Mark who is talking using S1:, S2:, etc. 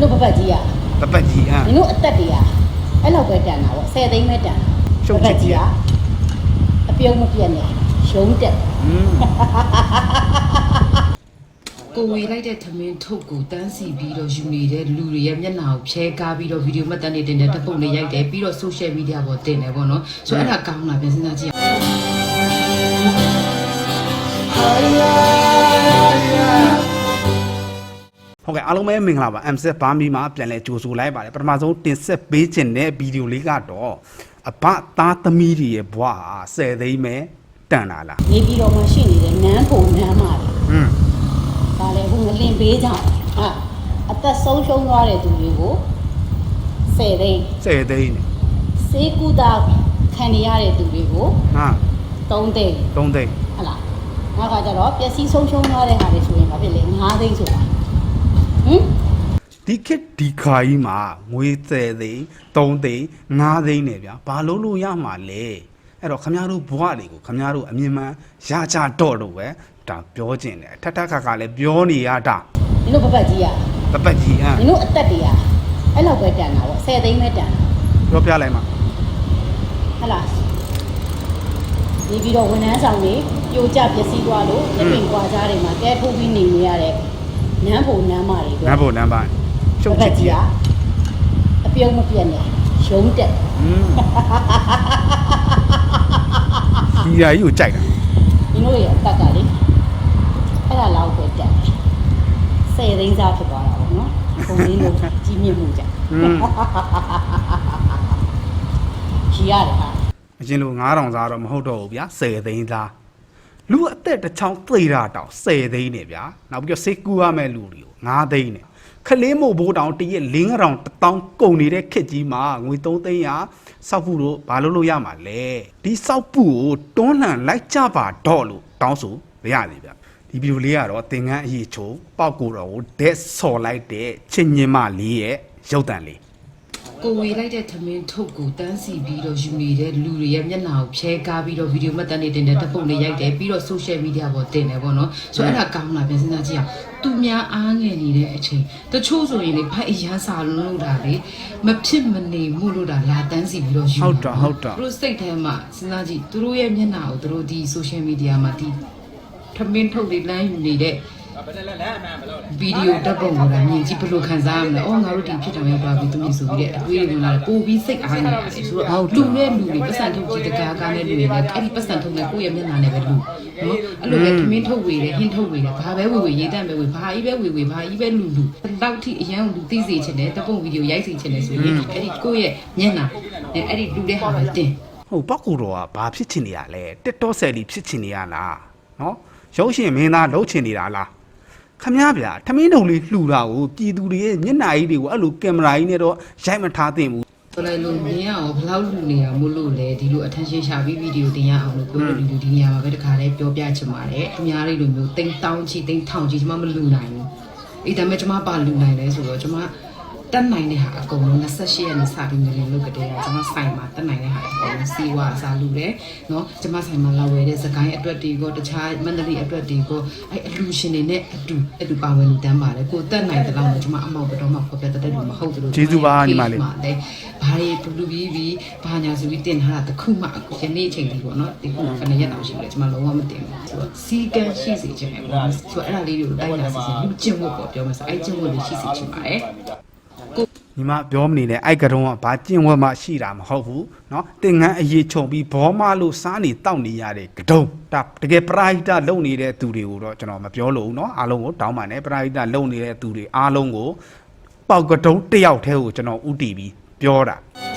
S1: တို့ပပတ်ကြီးอ่ะနင်တို့အသက်တည်းอ่ะအဲ့လောက်ပဲတန်တာပေါ့10သိန်းပဲတန်ပပတ်ကြီးอ่ะအပြုံးမပြတ်နဲ့ရုံးတက်
S2: ကိုဝေလိုက်တဲ့သမင်းထုတ်ကိုတန်းစီပြီးတော့ယူနေတဲ့လူတွေရဲ့မျက်နှာကိုဖြဲကားပြီးတော့ဗီဒီယိုမှတ်တမ်းတွေတင်တဲ့ဓာတ်ပုံတွေရိုက်တယ်ပြီးတော့ social media ပေါ်တင်တယ်ပေါ့နော်ဆိုတော့အဲ့ဒါကောင်းတာပြန်စဉ်းစားကြည့်
S3: ဟုတ်ကဲ့အားလုံးပဲမင်္ဂလာပါ MZ ဘာမီမှာပြန်လဲကြိုဆိုလိုက်ပါတယ်ပထမဆုံးတင်ဆက်ပေးခြင်းတဲ့ဗီဒီယိုလေးကတော့အဘသားသမီးတွေရဲ့ဘွားဟာ10သိန်းပဲတန်လာလား
S1: နေပြီးတော့မှရှိနေတဲ့နန်းပုံနန်းမာတွေဒါလည်းဟိုငလင်ပေးကြဟာအသက်ဆုံးရှုံးသွားတဲ့သူတွေကို10သိန်း
S3: နဲ့
S1: စေကူတာခံရတဲ့သူတွေကို
S3: ဟာ
S1: 3သိန်း
S3: ဟုတ်လား
S1: နောက်ကကျတော့ပျက်စီးဆုံးရှုံးသွားတဲ့ဟာတွေဆိုရင်ဘာဖြစ်လဲ9သိန်းဆိုတာ
S3: ဒီခေတ်ဒီခါကြီးမှာငွေ10သိန်း3သိန်း5သိန်းနဲ့ဗျာဘာလို့လို့ရမှာလဲအဲ့တော့ခမရတို့ဘွားတွေကိုခမရတို့အမြင်မှန်ရကြတော့လို့ပဲဒါပြောကျင်တယ်ထထခါခါလည်းပြောနေရတာ
S1: နင်တို့ပပတ်ကြီးอ่ะနင်တို့အသက်တည်းอ่ะအဲ့လောက်ပဲတန်တာပေါ့10သိန်းပဲတန်
S3: ပြောပြလိုက်မှာ
S1: ဟုတ်လားဒီပြီးတော့ဝန်ထမ်းဆောင်တွေပြိုကျပျက်စီးသွားလို့လက်ပင်ကွာကြားတွေမှာကဲထိုးပြီးနေရတဲ့နန်းဖို့နန်းမတွေ
S3: နန်းဖို့နန်းမ
S1: ရှုပ်ကြီးอ่ะအပြုံးမပြတ်နဲ့ရုံးတက်
S3: ဒီရာကြီးကိုကြိုက်တာ
S1: ဒီလိုရဲ့အတက်ကလေအဲ့ဒါလောက်ပဲတက်10သိန်းစားဖြစ်သွားတာပေါ့နော်ပုံလေးလို့ကြီးမြင့်မှုကြကြီးရတယ်ဟာ
S3: အရင်လို9000စားတော့မဟုတ်တော့ဘူးဗျာ10သိန်းသားလူအသက်တစ်ချောင်းသိတာတောင်10သိန်းနဲ့ဗျာနောက်ပြီးတော့စိတ်ကူရမဲ့လူတွေကို9သိန်းနဲ့ခလေးမို့ဘိုးတောင်တရက်5000 1000ကုန်နေတဲ့ခက်ကြီးမှာငွေ3သိန်းရစောက်ဖို့တော့ဘာလို့ရမှာလဲဒီစောက်ဖို့ကိုတွန်းလှန်လိုက်ကြပါတော့လို့တောင်းဆိုမရသေးဗျဒီဗီဒီယိုလေးကတော့သင်္ကန်းအရေးချိုးပေါက်ကိုတော့ဒက်ဆော်လိုက်တဲ့ချစ်ညင်မလေးရဲ့ရုပ်တံလေး
S2: ကိုဝေလိုက်တဲ့သမင်းထုတ်ကိုတန်းစီပြီးတော့ယူနေတဲ့လူတွေရဲ့မျက်နှာကိုဖြဲကားပြီးတော့ဗီဒီယိုမှတ်တမ်းတွေတင်တဲ့ဓာတ်ပုံတွေရိုက်တယ်ပြီးတော့ social media ပေါ်တင်တယ်ပေါ့နော်ဆိုတော့အဲ့ဒါကောင်းတာပြန်စဉ်းစားကြည့်အောင်သူများအားငယ်နေတဲ့အချိန်တချို့ဆိုရင်လေဖိုက်အရန်စာလို့တာလေမဖြစ်မနေမှုလို့တာလာတန်းစီပြီးတော့ယူ
S3: ဟုတ်တာ
S2: သူတို့စိတ်ထဲမှာစဉ်းစားကြည့်သူတို့ရဲ့မျက်နှာကိုသူတို့ဒီ social media မှာဒီသမင်းထုတ်တွေလမ်းယူနေတဲ့ဗီဒီယိုဓာတ်ပုံကိုလည်းမြင်ကြည့်ဘယ်လိုခံစားရမလဲ။အော်ငါတို့ဒီဖြစ်တယ်ရောက်သွားပြီသူမြင်ဆိုပြီးတဲ့အတွေးတွေလာတယ်ပို့ပြီးစိတ်အားနေရတယ်ဆိုတော့လူနဲ့လူတွေပတ်စံထုတ်ကြည့်တကားကားနဲ့လူတွေလည်းအဲ့ဒီပတ်စံထုတ်နဲ့ကိုယ့်ရဲ့မျက်နှာနဲ့ပဲလူနော်အဲ့လိုပဲသမင်းထုတ်ဝေတယ်ဟင်းထုတ်ဝေတယ်ဘာပဲဝေရေးတတ်ပဲဝေဘာကြီးပဲဝေဘာကြီးပဲလူလောက်ထိအရန်လူသိစေချင်တယ်ဓာတ်ပုံဗီဒီယိုရိုက်စေချင်တယ်ဆိုရင်အဲ့ဒီကိုယ့်ရဲ့မျက်နှာနဲ့အဲ့ဒီလူတဲ့ဟာပဲတင်
S3: ဟုတ်ပောက်ကိုတော့ဘာဖြစ်ချင်နေရလဲတက်တော့ဆယ်လီဖြစ်ချင်နေရလားနော်ရုပ်ရှင်မင်းသားလှုပ်ချင်နေတာလားခမဗျာထမင်းတုံလေးလှူတာကိုပြည်သူတွေရဲ့မျက်နှာကြီးတွေကိုအဲ့လိုကင်မရာကြီးနဲ့တော့ရိုက်မထားသင့်ဘူး
S2: ဆိုလိုက်လို့မြင်ရအောင်ဘယ်လောက်လူနေရမို့လို့လဲဒီလို attention ရှာပြီးဗီဒီယိုတင်ရအောင်လို့ကိုယ်တို့ဒီနေရာမှာပဲတခါလေးပြောပြချင်ပါတယ်အများကြီးလိုမျိုးတိမ်တောင်းချီတိမ်ထောင်ချီကျွန်မမလူနိုင်ဘူးအေးဒါပေမဲ့ကျွန်မပါလူနိုင်လဲဆိုတော့ကျွန်မတက်နိုင်တဲ့ဟာအကုန်လုံး28ရက်နေ့စပြီးနေလို့ကတည်းကကျွန်မဆိုင်မှာတက်နိုင်တဲ့ဟာအကုန်လုံးစီဝါအစားလူတယ်နော်ကျွန်မဆိုင်မှာလာဝယ်တဲ့စကိုင်းအတွက်တွေကိုတခြားမန္တလေးအတွက်တွေကိုအဲ့အလူရှင်တွေနဲ့အတူပါဝင်လူတန်းပါတယ်ကိုတက်နိုင်တဲ့လောက်နဲ့ကျွန်မအမောက်ကတော့မှဖော်ပြတတ်တယ်လို့မဟုတ်ဘူး
S3: ကျေးဇူးပါညီမလေး
S2: ဘာတွေလူပြီးဘာညာဆိုပြီးတင်ထားတာတခုမှအခုယနေ့အချိန်ဒီပေါ့နော်ဒီခုခဏရက်တောင်ရှိတယ်ကျွန်မလုံးဝမတင်ဘူးဆိုတော့စီကန်းရှိစေချင်တယ်ပေါ့ဆိုတော့အဲ့ဒါလေးတွေကိုတိုက်လာစီစဉ်လူကျင့်ဝတ်ပေါ့ပြောမှဆိုအဲ့ကျင့်ဝတ်လေးရှိစေချင်ပါတယ်
S3: ညီမပြောမနေနဲ့အိုက်ကတော့ဘာကျင့်ဝတ်မှရှိတာမဟုတ်ဘူးเนาะတင်ငန်းအရေးချုံပြီးဘောမလို့စားနေတောက်နေရတဲ့ကတုံးဒါတကယ်ပရာဟိတလုံနေတဲ့သူတွေကိုတော့ကျွန်တော်မပြောလို့เนาะအားလုံးကိုတောင်းပါနဲ့ပရာဟိတလုံနေတဲ့သူတွေအားလုံးကိုပေါက်ကတုံးတယောက်တည်းကိုကျွန်တော်ဥတီပြီးပြောတာ